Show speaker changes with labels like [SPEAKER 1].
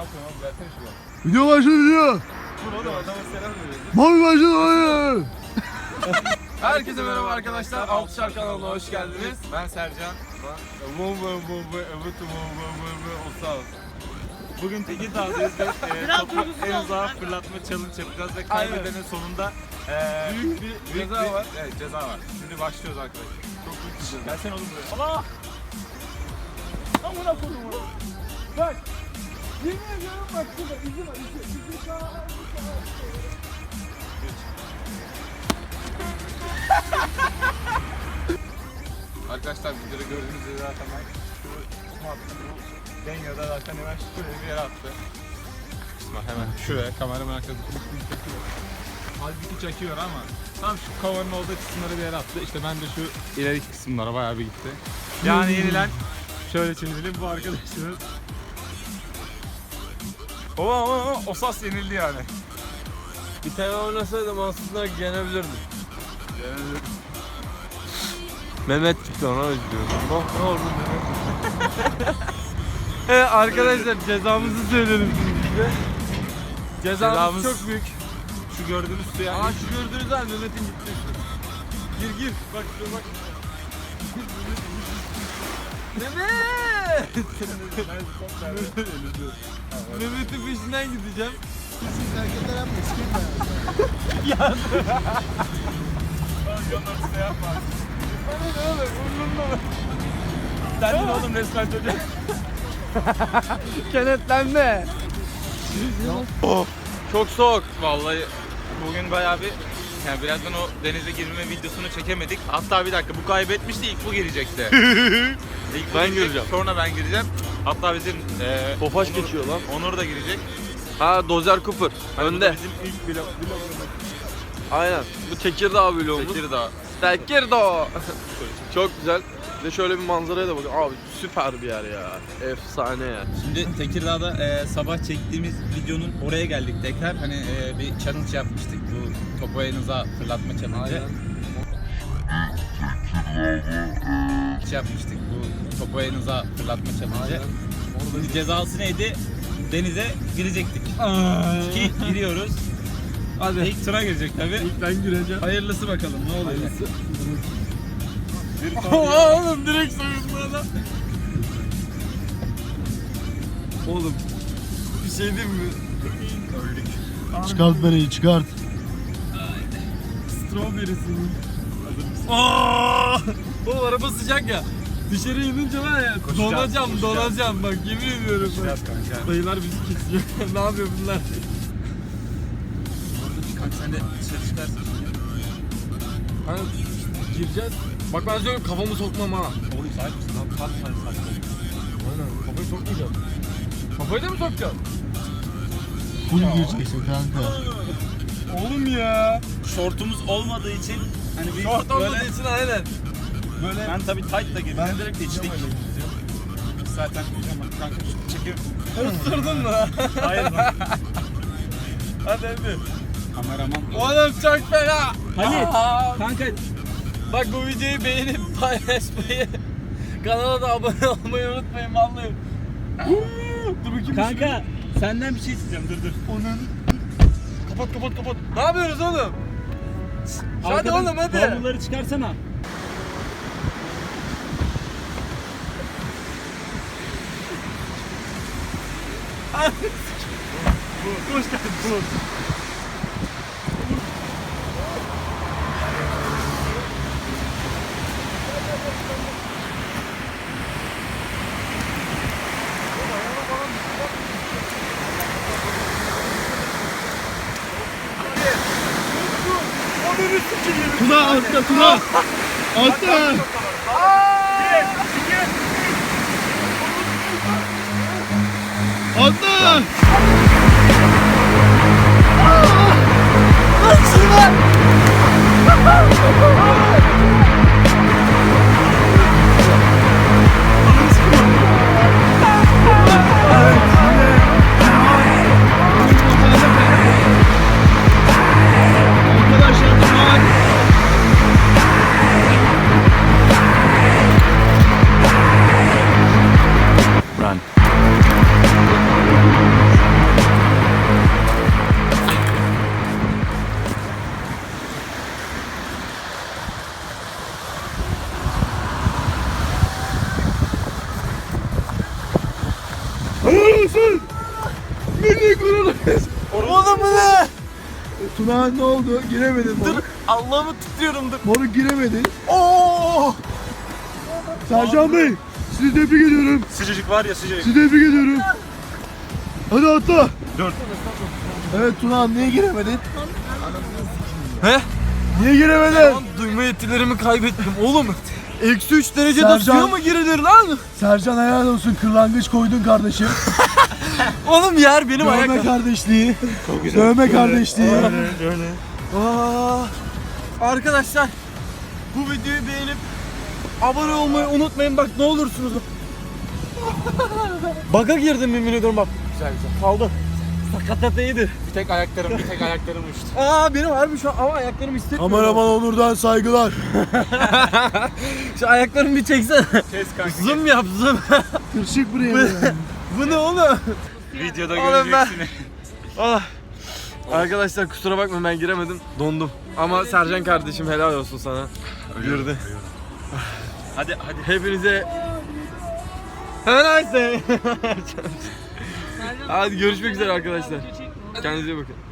[SPEAKER 1] yapıyorsun oğlum? Versene şuradan.
[SPEAKER 2] Video başlıyor.
[SPEAKER 1] Dur oğlum adama selam veriyoruz.
[SPEAKER 2] Mavi başlıyor.
[SPEAKER 1] Herkese merhaba arkadaşlar. Altışar kanalına hoş geldiniz. Ben Sercan.
[SPEAKER 3] Bugün Tekirdağ'dayız ve topu en uzağa fırlatma challenge yapacağız ve kaybedenin sonunda
[SPEAKER 1] Büyük bir ceza var.
[SPEAKER 3] Evet, ceza var. Şimdi başlıyoruz arkadaşlar.
[SPEAKER 1] Çok büyük bir ceza.
[SPEAKER 3] Gelsene oğlum buraya. Allah!
[SPEAKER 1] Amına koydum onu. Bak. Yemin ediyorum bak şurada izi var. İzi sağa. Arkadaşlar videoda gördüğünüz gibi zaten ben şu attı bu dengede zaten hemen şuraya bir yere attı. Kısma hemen şuraya kameramın arkasında çekiyor. Halbuki çekiyor ama tam şu kovanın olduğu kısımları bir yere attı. İşte ben de şu ileriki kısımlara bayağı bir gitti. Yani yenilen şöyle çevirelim bu arkadaşımız. O sas yenildi yani.
[SPEAKER 4] Bir tane oynasaydım aslında yenebilirdim. Mehmet çıktı ona üzülüyorum. Oh ne oldu Mehmet? Evet arkadaşlar cezamızı söyleyelim şimdi size. Cezamız çok büyük.
[SPEAKER 3] Şu gördüğünüz suya.
[SPEAKER 4] Aa şu gördüğünüz an Mehmet'in gitti. Gir bak şuraya bak. Mehmet! Mehmet'in peşinden gideceğim.
[SPEAKER 3] Derdin oğlum resmen çocuğa.
[SPEAKER 4] Kenetlenme. Çok soğuk.
[SPEAKER 3] Vallahi bugün bayağı bir yani birazdan o denize girme videosunu çekemedik. Hatta bir dakika bu kaybetmişti ilk bu girecekti. İlk bu
[SPEAKER 4] Ben
[SPEAKER 3] girecek,
[SPEAKER 4] gireceğim.
[SPEAKER 3] Sonra ben gireceğim. Hatta bizim
[SPEAKER 4] Tofaş
[SPEAKER 3] Onur-
[SPEAKER 4] geçiyor lan.
[SPEAKER 3] Onur da girecek.
[SPEAKER 4] Ha Dozer Cooper.
[SPEAKER 3] Hani bu da
[SPEAKER 4] Önde.
[SPEAKER 3] bizim ilk vlog.
[SPEAKER 4] Aynen. Bu Tekirdağ vlogumuz.
[SPEAKER 3] Tekirdağ.
[SPEAKER 4] Tekirdağ. Çok güzel. Ve şöyle bir manzaraya da bakın. Abi süper bir yer ya. Efsane ya.
[SPEAKER 3] Şimdi Tekirdağ'da sabah çektiğimiz videonun oraya geldik tekrar. Hani bir challenge yapmıştık. Bu topu en uzağa fırlatma challenge. Yapmıştık bu topu en uzağa fırlatma challenge. Şimdi cezası neydi? Denize girecektik. Ki giriyoruz.
[SPEAKER 4] Hadi.
[SPEAKER 3] İlk tura girecek tabii.
[SPEAKER 4] İlk ben gireceğim.
[SPEAKER 3] Hayırlısı bakalım ne oluyor.
[SPEAKER 4] Oğlum direkt soyunma adam. Oğlum bir şey diyeyim mi?
[SPEAKER 2] Çıkart bereyi çıkart.
[SPEAKER 4] Strawberry'sini. Aa! Oğlum araba sıcak ya. Dışarı inince var ya donacağım bak yemin ediyorum.
[SPEAKER 3] Biraz kanka.
[SPEAKER 4] Dayılar bizi kesiyor. Ne yapıyor bunlar?
[SPEAKER 3] Kanka sen de dışarı çıkarsın.
[SPEAKER 4] Hani gireceğiz. Bak ben söylüyorum kafamı sokmam ha.
[SPEAKER 3] Oğlum sahip misin lan? Kalk sen saklayın.
[SPEAKER 4] Aynen kafayı sokmayacağım. Kafayı da mı sokacağım?
[SPEAKER 2] Full gireceksin kanka.
[SPEAKER 4] Oğlum ya.
[SPEAKER 3] Şortumuz olmadığı için hani bir
[SPEAKER 4] Şort olmadığı için aynen.
[SPEAKER 3] böyle ben tabii tight da girdim. Ben direkt içtik. Zaten kanka çekiyorum.
[SPEAKER 4] Isırdın mı?
[SPEAKER 3] Hayır lan.
[SPEAKER 4] Hadi hadi.
[SPEAKER 3] Kameraman.
[SPEAKER 4] Oğlum çok fena.
[SPEAKER 3] Halit,
[SPEAKER 4] Aa,
[SPEAKER 3] kanka
[SPEAKER 4] bak bu videoyu beğenip paylaşmayı, kanala da abone olmayı unutmayın vallahi. Dur bakayım.
[SPEAKER 3] kanka senden bir şey isteyeceğim dur.
[SPEAKER 4] Onun. Kapat. Ne yapıyoruz oğlum? Hadi
[SPEAKER 3] Arkadan
[SPEAKER 4] oğlum hadi.
[SPEAKER 3] bavulları çıkarsana.
[SPEAKER 4] Hoş geldin.
[SPEAKER 2] Tuna altta Tuna. Altta. Altta. Arkadaşlar Tuna.
[SPEAKER 3] Run.
[SPEAKER 2] olsun. Milli gururumuz.
[SPEAKER 4] Oğlum bu ne?
[SPEAKER 2] Tuna ne oldu? Giremedin
[SPEAKER 4] Dur
[SPEAKER 2] moruk.
[SPEAKER 4] Allah'ımı tutuyorum dur.
[SPEAKER 2] Moruk giremedin.
[SPEAKER 4] Oo!
[SPEAKER 2] Sercan Bey sizi tebrik ediyorum.
[SPEAKER 1] Sıcacık var ya sıcacık.
[SPEAKER 2] Sizi tebrik ediyorum. Hadi atla.
[SPEAKER 1] 4.
[SPEAKER 2] Evet Tuna niye giremedin?
[SPEAKER 4] He?
[SPEAKER 2] Niye giremedin?
[SPEAKER 4] Lan duyma yetilerimi kaybettim oğlum. Eksi 3 derecede
[SPEAKER 2] Sercan-
[SPEAKER 4] suya mı girilir lan?
[SPEAKER 2] Sercan helal olsun kırlangıç koydun kardeşim.
[SPEAKER 4] Oğlum yer benim
[SPEAKER 2] Dövme
[SPEAKER 4] ayaklarım.
[SPEAKER 2] kardeşliği. Dövme kardeşliği.
[SPEAKER 4] Aa, arkadaşlar bu videoyu beğenip abone olmayı unutmayın bak ne olursunuz. Baga girdim yemin ediyorum bak. Güzel güzel. Kaldı. Sakatateydi.
[SPEAKER 3] Bir tek ayaklarım uçtu.
[SPEAKER 4] Aa benim harbi şu an ama ayaklarım hissetmiyorum.
[SPEAKER 2] Kameraman Onur'dan saygılar.
[SPEAKER 4] Şu ayaklarımı bir çeksene.
[SPEAKER 3] Kes kanka.
[SPEAKER 4] Zoom yap zoom.
[SPEAKER 2] Tırşık buraya.
[SPEAKER 4] Bu ne oğlum?
[SPEAKER 3] Videoda
[SPEAKER 4] Oğlum ben-
[SPEAKER 3] göreceksiniz.
[SPEAKER 4] Ah. Arkadaşlar kusura bakma ben giremedim. Dondum. Ama Sercan kardeşim helal olsun sana. Girdi.
[SPEAKER 3] Hadi.
[SPEAKER 4] Hepinize Have a nice day. Hadi görüşmek üzere arkadaşlar. Kendinize iyi bakın.